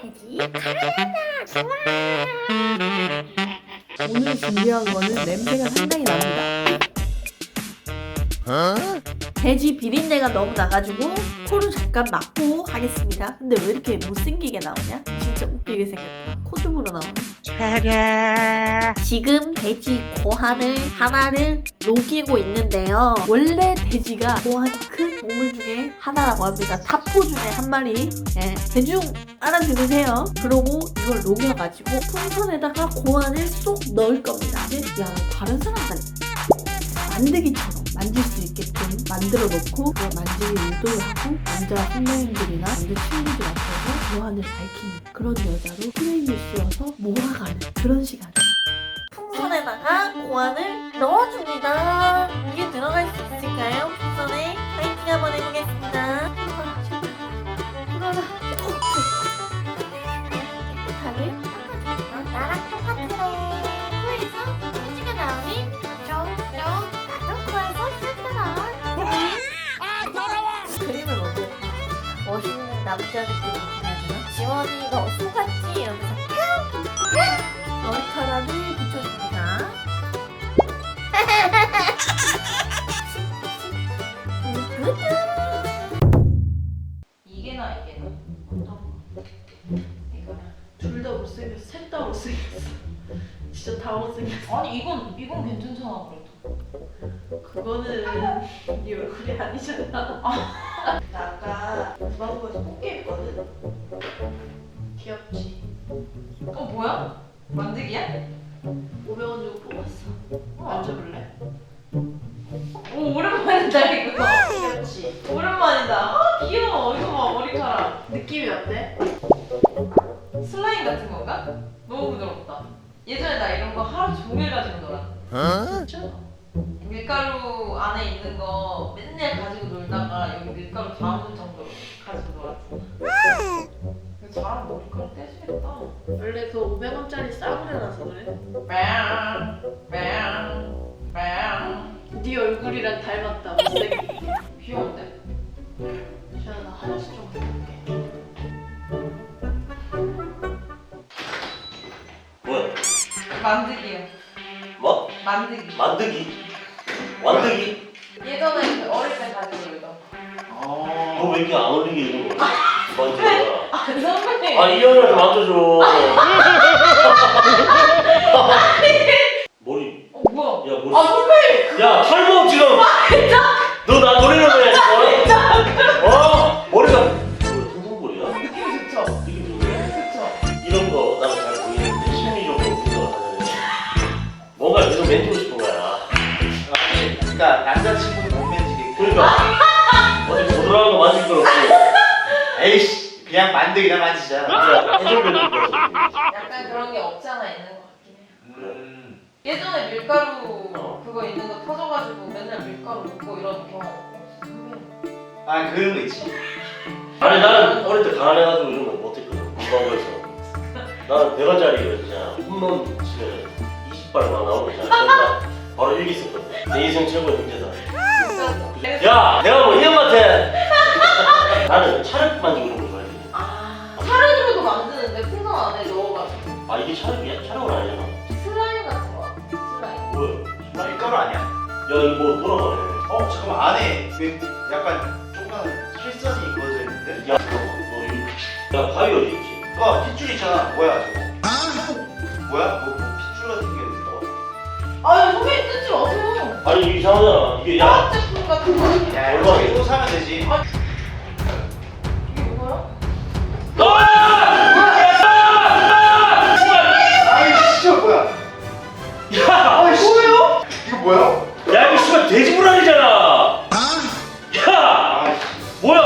돼지 오늘 준비한 거는 냄새가 상당히 납니다. 돼지 비린내가 너무 나가지고 코를 잠깐 막고 하겠습니다. 근데 왜 이렇게 못생기게 나오냐? 진짜 웃기게 생겼다. 코tum으로 나오네. 지금 돼지 고환을 하나를 녹이고 있는데요. 원래 돼지가 고환이 큰 동물 중에 하나라고 합니다. 타포 중에 한 마리. 예, 대충 알아들으세요. 그러고 이걸 녹여가지고 풍선에다가 고환을 쏙 넣을 겁니다. 야, 다른 사람들 만들기처럼 만질 수 있게끔 만들어 놓고 만지기 유도를 하고 남자 선배님들이나 남자 친구들 앞에서 고환을 밝히는 그런 여자로 프레임을 씌워서 몰아가는 그런 시간. 풍선에다가 고환을 넣어줍니다. 이게 들어갈 수 있을까요? 풍선에 파이팅 한번 해보겠습니다. 불어라. 깨끗하게 나랑 똑같으래. 코에서 공기가 나오니 쪽쪽 나도 코에서 쇳더라. 그림을 먼저 멋있는 남자 느낌이 나잖아. 지원이 너 속았지? 이러면서 머리카락을 붙여줍니다. 이게나 어떤 거? 이거나. 둘 다 못생겼어. 셋 다 못생겼어. 진짜 다 못생겼어. 아니 이건 괜찮잖아 그래도. 그거는 네 얼굴이 아니잖아. 나 아까 주방부에서 꽃게 했거든. 귀엽지? 뭐야? 만들기야? 500원 주고 뽑았어. 만져볼래? 오 오랜만이다 이거. 귀엽지? 오랜만이다. 아 귀여워. 이거 봐 머리카락. 느낌이 어때? 슬라임 같은 건가? 너무 부드럽다. 예전에 나 이런 거 하루 종일 가지고 놀았어. 진짜? 밀가루 안에 있는 거 맨날 가지고 놀다가 여기 밀가루 다 묻을 정도로 가지고 놀았어. 이거 잘하면 머리카락 떼지겠다. 원래 그 500원짜리 싸구려라서 그래. 네 얼굴이랑 닮았다. 못생기게. 귀여운데? 지현아, 나 화장실 좀 가볼게. 뭐야? 만들기요. 뭐? 만들기. 만드기? 완드기? 예전에 그 어릴 때 가지고 놀던. 너 왜 이렇게 안 어울리게 이런 거 만드냐? 아 선배님. 아, 이 형을 좀 만져줘. 머리. 뭐야? 야, 머리. 아 선배님. 야, 탈모 지금. 너 나 노리는 거야, 지금? 머리가. 둥둥머리야? 느낌 좋죠? 느낌 좋네. 그쵸? 이런 거 나는 잘 보이는데 심리적으로 생각을 하잖아. 뭔가 계속 만지고 싶은 거야. 그러니까 남자친구는 못 만지게. 그러니까 어디 부드러운 거 만질 거 없고. 에이씨, 그냥 만들기나 만지자. 야, 해적별로 약간 그런 게 없지 않아 있는 것 같긴 해. 예전에 밀가루 그거 있는 거 터져가지고 맨날 밀가루 붓고 이런 경험 없어. 선배님. 아, 그런 거 있지. 아니 나는 어릴 때 가난해가지고 이런 거 못했거든. 공부하고서 나는 100원짜리 그냥 홈런 치면 20발 막 나오고 있잖아. 그러니까 바로 일기 썼거든. 내 인생 최고의 문제다. 진짜. 야, 내가 뭐 이 형한테 나는 차를 만지고 이런 거 좋아해. 아 차례로도 만드는데 풍선 안에 넣어가지고. 아, 이게 차력이야? 차력은 아니잖아. 슬라임 같은 거야. 슬라임. 뭐야? 밀가루 아니야? 야, 이거 뭐 돌아가네. 잠깐만, 안에 왜 약간 조그만 실선이 그어져 있는데? 야, 너 이거. 야, 바위 어디 있지? 핏줄 있잖아. 뭐야, 저거? 뭐야? 뭐 핏줄 같은 게 있어. 아유 선배님 뜯지 마세요. 아니 이게 이상하잖아. 이게 야. 화학 제품 같은 거. 야, 이거 또 사면 되지. 이게 뭐야? 아이, 진짜 뭐야? 야! 아이씨. 뭐예요? 이거 뭐야? 야, 이거 씨발 돼지불알이잖아. 야! 아이씨. 뭐야?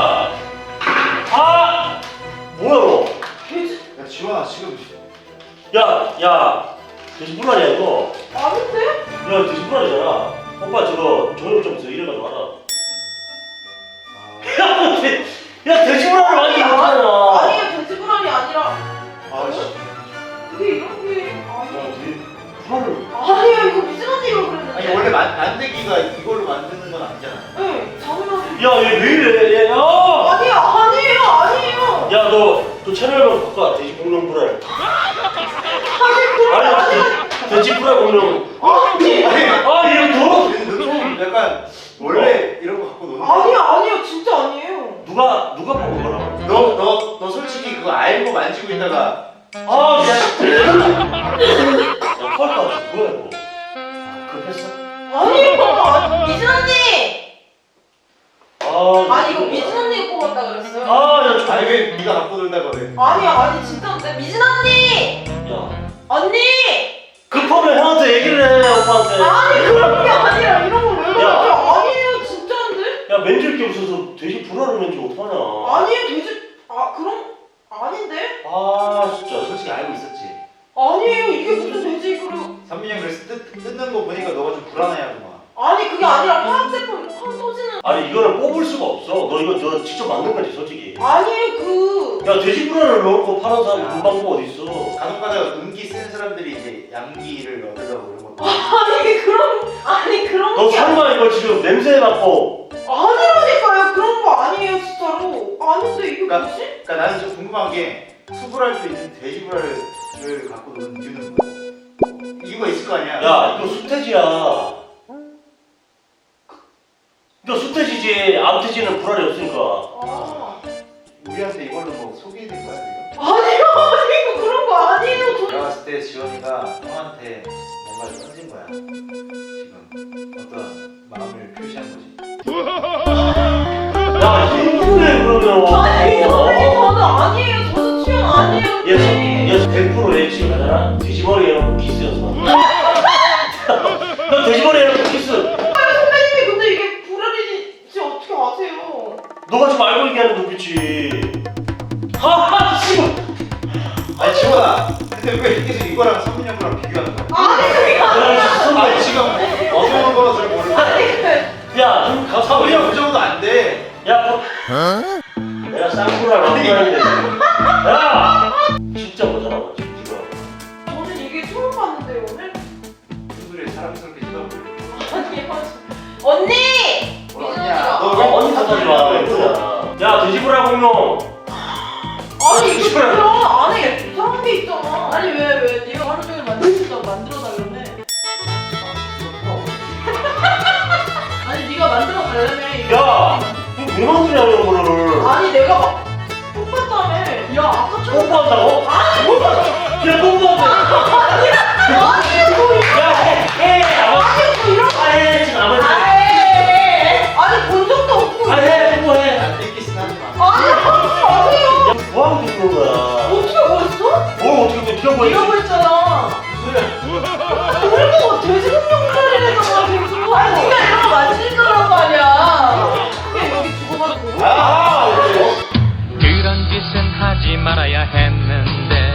아! 뭐야 너? 야, 지원아, 지금. 야, 돼지불알이야 이거. 아닌데? 야, 돼지불알이잖아. 오빠 저거 정육점에서 이래가지고 알아. 야, 돼지불알을 많이 먹잖아. 아니 이게 돼지불알이 아니라 아이씨. 이게 이런 게 아니. 불알을. 아니야 이거 미스러지로 그랬는데. 아니, 원래 만들기가 이걸로 만드는 건 아니잖아. 네, 당연하지. 야, 얘 왜 이래? 야, 아니에요. 야, 너 그 채널만 바꿔. 돼지 공룡 불알. 아니 돼지 불알 공룡. 아니 아 이름 더? 좀 약간 원래 이런 거 갖고 노는 거 아니요 진짜 아니에요. 누가 뽑은 거라고? 너 솔직히 그거 알고 만지고 있다가 아 야 털까 뭐야 이거? 급했어? 아니요 미진 언니. 아 아니 이거 미진 언니가 뽑았다 그랬어요. 아야 아니 왜 네가 갖고 놀다가 왜 아니 진짜인데 미진 언니. 야 언니. 급하면 형한테 얘기를 해 오빠한테. 아니 그런 게 아니라 이런 걸왜 그러죠? 야. 아니에요 진짜인데? 야 맨질 게 없어서 돼지 불알을 맨지 어떡하냐. 아니에요 돼지 그럼 아닌데? 아 진짜 솔직히 알고 있었지 아니에요 이게 무슨 돼지 그리고 선민이 형 그래서 뜯는 거 보니까 너가 좀 불안해하더만 아니 그게 아니라 화학 제품 팡 터지는 아니 이거는 뽑을 수가 없어. 너 이거 너 직접 만든 거지 솔직히. 아니에요 그 야 돼지 불알을 넣고 파는 사람 야. 문방구 어디 있어? 간혹가다가 음기 쓴 사람들이 이제 양기를 얻으려고 이런 것도 아니 그런 너 게 설마 이거 지금 냄새 맡고 아니라니까요 그런 거 아니에요 진짜로 아닌데 이게 그러니까- 뭐지? 그러니까 나는 좀 궁금한 게 수불알도 있는 돼지불알을 갖고 노는 이유는 뭐야? 이유가 있을 거 아니야 야 이거 수태지야. 이거 수태지지. 암태지는 불알이 없으니까. 아 우리한테 이걸로 뭐 소개해낸 거야 지금? 아니요 이거 그런 거 아니에요 저 내가 봤을 때 지원이가 형한테 뭔가를 던진 거야 지금 어떤 마음을 표시한 거지 야 힘드네 그러면. 아니 선생님 저는 아니에요 저는 취향 아니에요 얘 100% 내 지금 하잖아. 돼지머리 해놓고 키스였어. 너 돼지머리 해놓고 키스. 선배님이 근데 이게 불알인지 어떻게 아세요? 너가 지금 알고 얘기하는 눈빛이. 아 지금. 아니 지원아 근데 왜 계속 이거랑 선민이 형 거랑 비교하는 거야? 아니 그게 아니 지금 어떤 거를 모르는데 야, 좀 선민이 가사버려. 형그 정도 안 돼. 야, 뭐. 내가 쌍꾸를 만들었는데. 야, 진짜 못하나 봐 지금. 저는 이게 처음 봤는데 오늘 무슨 소리야 사람스럽게 쳐다보고 아니요 언니! 뭐냐 너 너 언니 탓하지 마. 야, 돼지불알 공룡. 아니 이거 그냥 안에 이상한 게 있잖아 아니 왜 네가 하루 종일 만들었다고 만들어달라며 아니 네가 만들어달라며 이거 야, 이거 왜 만드냐 이런 거를. 아니 내가 막 뽑았다며 야 아까처럼 뽀뽀한다고? 아니 뽑았어 야, 뽀뽀한다. 아니 뭐 이런 야, 해. 아니 뭐 이런 아, 해. 지금 아무. 아니 본 적도 없고 아, 해. 뽀뽀해. 안 뜯기진 하지 마 아니 하지 마세요 야, 뭐하고 듣는 거야? 어떻게 벌써? 뭘 어떻게 또 네가 뭐 네가 벌잖아 그리고 돼지공룡살이래잖아 계속 아니 네가 이런 거 만질 거란 말이야 그게 여기 죽어가지고 아, 어때요? 그런 짓은 하지 말아야 했는데